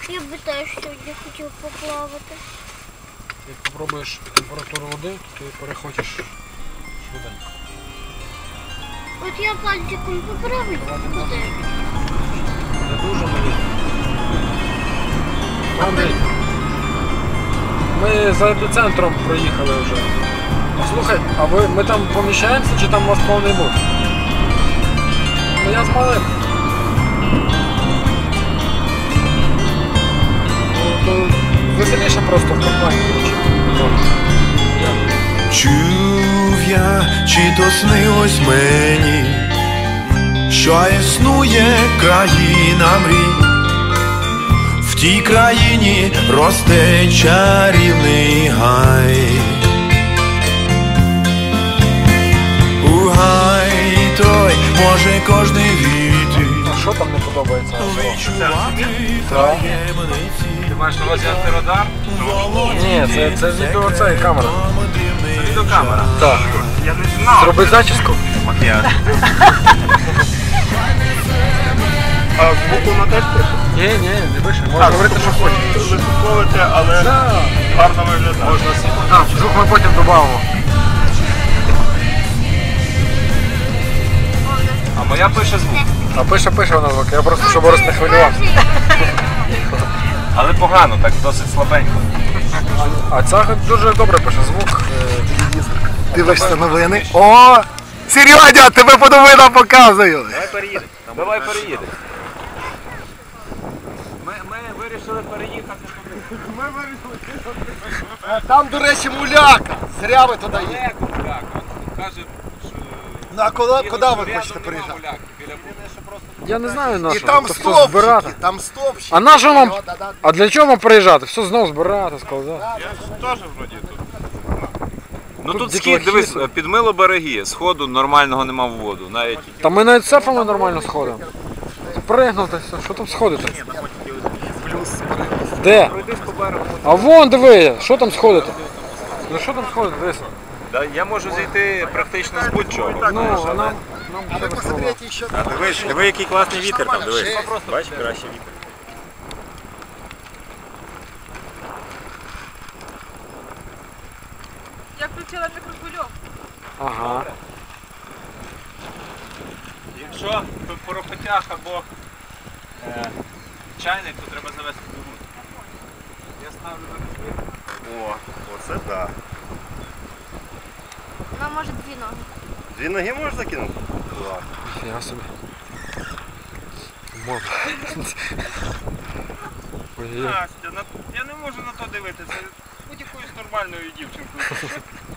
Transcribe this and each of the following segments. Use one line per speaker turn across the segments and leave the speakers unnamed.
Я би теж сьогодні хотів поплавати.
Як попробуєш температуру води, то ти перехочеш швиденько.
От я пальчиком поправлю води.
Не дуже мені. Андрій, ми за епіцентром проїхали вже. Слухай, а ми там поміщаємося чи там у вас повний бот? Ну я з малим. То веселіше просто в компанії.
Чув я, чи то снилось мені, що існує країна мрій. В тій країні росте чарівний гай. У гай той може кожний війти.
А що там не подобається?
Відчувати
Так.
таємниці.
Ти маєш на увазі антирадар?
Ні, це відео, це камера.
Це відеокамера.
Так.
Я не знав.
Зроби зачіску.
Макіяж. А звуку на теж пише?
Ні, не пише. Можна говорити, що хочеш.
Вислуховуєте, але гарно виглядає. Можна
А, звук ми потім додамо.
А моя пише звук.
А пише вона звук. Я просто, щоб Борис не хвилювався.
Але погано, так досить слабенько.
А ця дуже добре пише звук.
Дивишся новини. О! Серйозно, тебе по новинам показую!
Давай переїдемо. Ми вирішили переїхати туди.
Там, до речі, муляка. Зря ви туди їдете.
Далеко, так. Каже, що...
Ну а куди ви хочете приїжджати?
Я не знаю на
І
що.
там
То все збирати.
стовпчики, там стовпчики.
А на що нам?
Да-да.
А для чого нам приїжджати? Все знов збирати, складати.
Я ж теж вроді тут. Ну
Тут
тут
дітлахи
схід, дивись,
є.
підмило береги, сходу нормального нема в воду. Навіть
Та ми навіть сефами нормально сходимо. Пригнути, все. Що там сходити? Де?
пройдись по берегу.
А вон диви, що там сходити? Ну що там сходити, дивись.
Да, я можу зійти практично з будь-чого.
Ну, а нам
А ви посмотрите ще.
Диви, який класний вітер там, дивись. Бачиш, кращий вітер.
Я включила мікрохвильовку.
Ага.
Якщо поропотяг або чайник, то треба завести двигун. Я ставлю на
О, оце да.
Вона може дві ноги.
Дві ноги можна кинути? Так.
Я собі. Можна. Ой-ой.
Настя, я не можу на то дивитися. Будь-якоюсь нормальною дівчинкою.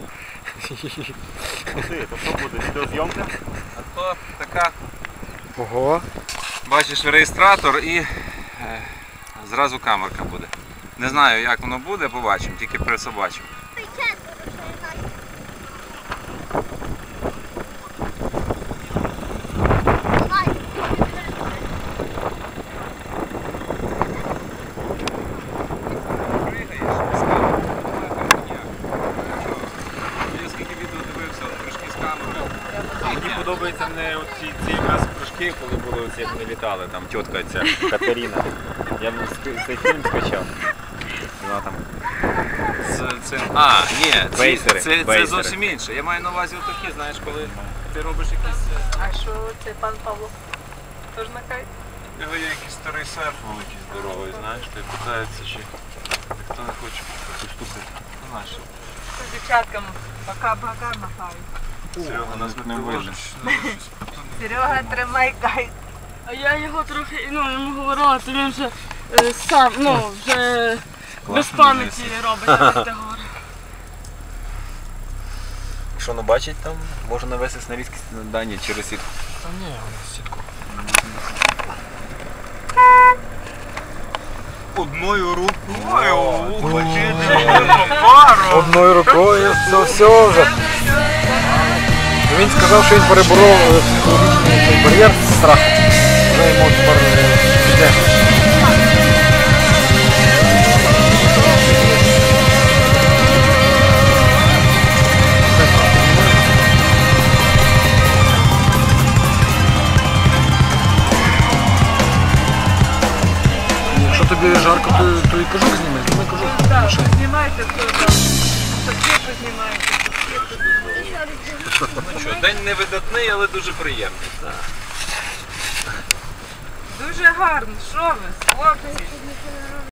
Ти, то що буде? Відеозйомка?
А то така,
Ого.
бачиш, реєстратор і зразу камерка буде. Не знаю, як воно буде, побачимо, тільки присобачимо. Я скільки відео дивився, прыжки з камерою.
Мені подобаються мене ці якраз прыжки, коли були оці, як вони літали, там тітка ця Катерина. Я цей фільм скачав. Вона там.
З цим. А, ні,
Бейсери,
це
бейсери.
зовсім інше. Я маю на увазі отакі, знаєш, коли ти робиш якісь.
А що це пан Павло? Тож на кайф?
Його є якийсь старий серф великий здоровий, знаєш, ти питається, чи ніхто не хоче поступити. Ну, знаєш,
З дівчатками пока-пока махають.
Серега нас не видно.
Серега, тримай кайф.
А я його трохи, йому говорила, то він вже сам, вже без пам'яті робить, як ти говориш.
Що не бачить там? Можна навести на різкість на дані через сітку.
Та ні, вона сітку.
Одною рукою.
Одною рукою, все вже. Він сказав, що він переборов психологічний бар'єр, страх. Вже йому тепер йде. Якщо тобі жарко, то і кожух зніме, зніме кожух.
Так, знімайте хто там. Шапки познімайте.
Ну що, день невидатний, але дуже приємний.
Дуже гарно. Що ви, хлопці?